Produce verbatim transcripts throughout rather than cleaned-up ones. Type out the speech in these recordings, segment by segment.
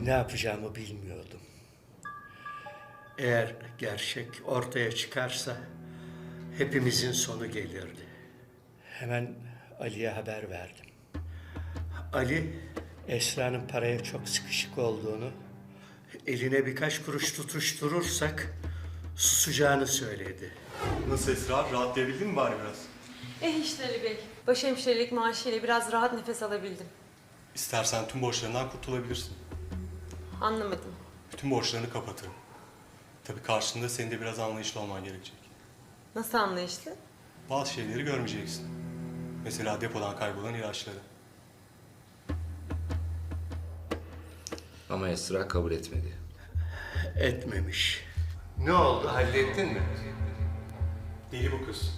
Ne yapacağımı bilmiyordum. Eğer gerçek ortaya çıkarsa hepimizin sonu gelirdi. Hemen Ali'ye haber verdim. Ali, Esra'nın paraya çok sıkışık olduğunu, eline birkaç kuruş tutuşturursak susacağını söyledi. Nasıl Esra? Rahatlayabildin mi bari biraz? Eh işte Ali Bey. Başhemşirelik maaşıyla biraz rahat nefes alabildim. İstersen tüm borçlarından kurtulabilirsin. Anlamadım. Bütün borçlarını kapatırım. Tabii karşında senin de biraz anlayışlı olman gerekecek. Nasıl anlayışlı? Bazı şeyleri görmeyeceksin. Mesela depodan kaybolan ilaçları. Ama Esra kabul etmedi. Etmemiş. Ne oldu? Hallettin mi? Deli bu kız.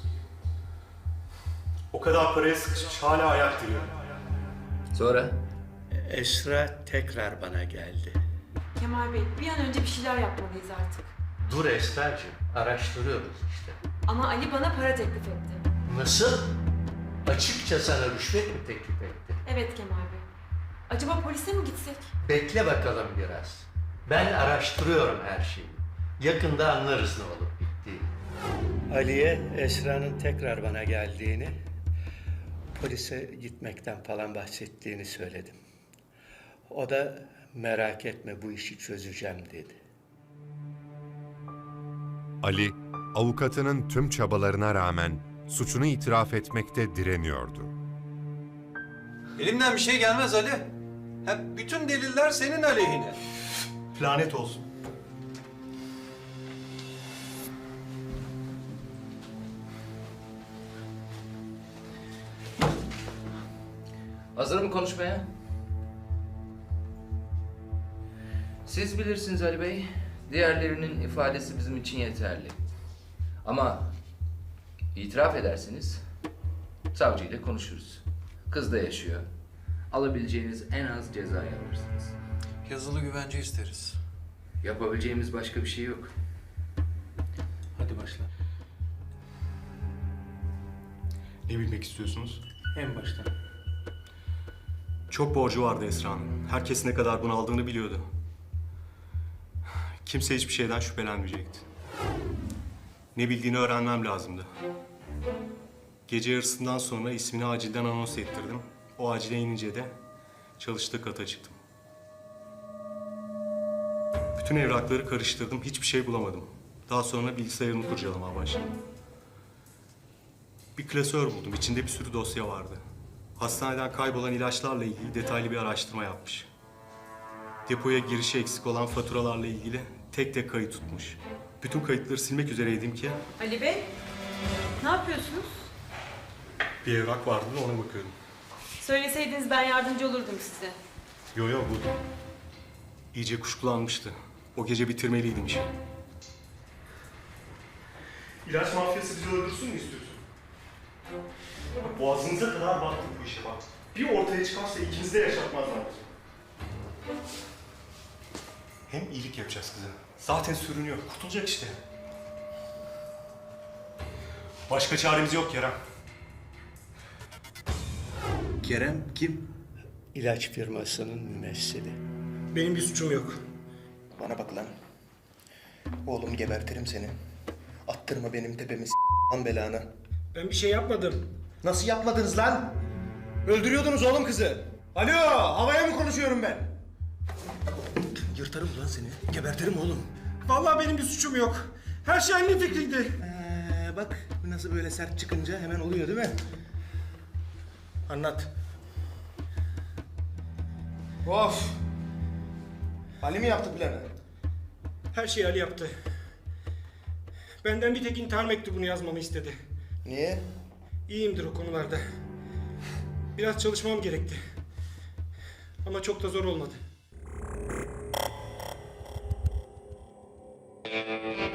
O kadar paraya sıkışmış hala ayak duruyor. Sonra? Esra tekrar bana geldi. Kemal Bey, bir an önce bir şeyler yapmalıyız artık. Dur Esra'cığım, araştırıyoruz işte. Ama Ali bana para teklif etti. Nasıl? Açıkça sana rüşvet mi teklif etti? Evet Kemal Bey. Acaba polise mi gitsek? Bekle bakalım biraz. Ben araştırıyorum her şeyi. Yakında anlarız ne olup bittiğini. Ali'ye Esra'nın tekrar bana geldiğini, polise gitmekten falan bahsettiğini söyledim. O da merak etme bu işi çözeceğim dedi. Ali, avukatının tüm çabalarına rağmen suçunu itiraf etmekte direniyordu. Elimden bir şey gelmez Ali. Hep bütün deliller senin aleyhine. Lanet olsun. Hazır mı konuşmaya? Siz bilirsiniz Ali Bey. Diğerlerinin ifadesi bizim için yeterli. Ama itiraf ederseniz savcıyla konuşuruz. Kız da yaşıyor. Alabileceğiniz en az cezayı alırsınız. Yazılı güvence isteriz. Yapabileceğimiz başka bir şey yok. Hadi başla. Ne bilmek istiyorsunuz? En baştan. Çok borcu vardı Esra'nın. Herkes ne kadar bunu aldığını biliyordu. Kimse hiçbir şeyden şüphelenmeyecekti. Ne bildiğini öğrenmem lazımdı. Gece yarısından sonra ismini acilden anons ettirdim. O acile inince de çalıştığı kata çıktım. Bütün evrakları karıştırdım, hiçbir şey bulamadım. Daha sonra bilgisayarını kurcalamaya başladım. Bir klasör buldum, içinde bir sürü dosya vardı. Hastaneden kaybolan ilaçlarla ilgili detaylı bir araştırma yapmış. Depoya girişi eksik olan faturalarla ilgili tek tek kayıt tutmuş. Bütün kayıtları silmek üzereydim ki Ali Bey, ne yapıyorsunuz? bir evrak vardı da ona bakıyordum. Söyleseydiniz ben yardımcı olurdum size. Yo yo bu. İyice kuşkulanmıştı. O gece bitirmeliydim işi. İlaç mafyası bizi öldürsün mü istiyorsun? Boğazınıza kadar baktık bu işe bak. Bir ortaya çıkarsa ikinizi de yaşatmazlar. Hem iyilik yapacağız kıza. Zaten sürünüyor. Kurtulacak işte. Başka çaremiz yok Kerem. Kerem kim? İlaç firmasının mümessili. Benim bir suçum yok. Bana bak lan. Oğlum gebertirim seni. Attırma benim tepemi s*** lan belanı. Ben bir şey yapmadım. Nasıl yapmadınız lan? Öldürüyordunuz oğlum kızı. Alo, havaya mı konuşuyorum ben? Yırtarım lan seni. Gebertirim oğlum. Vallahi benim bir suçum yok. Her şey annemin fikriydi. Ee, bak nasıl böyle sert çıkınca hemen oluyor değil mi? Anlat. Of. Ali mi yaptı planı? Her şeyi Ali yaptı. Benden bir tek intihar mektubunu yazmamı istedi. Niye? İyiyimdir o konularda. Biraz çalışmam gerekti. Ama çok da zor olmadı.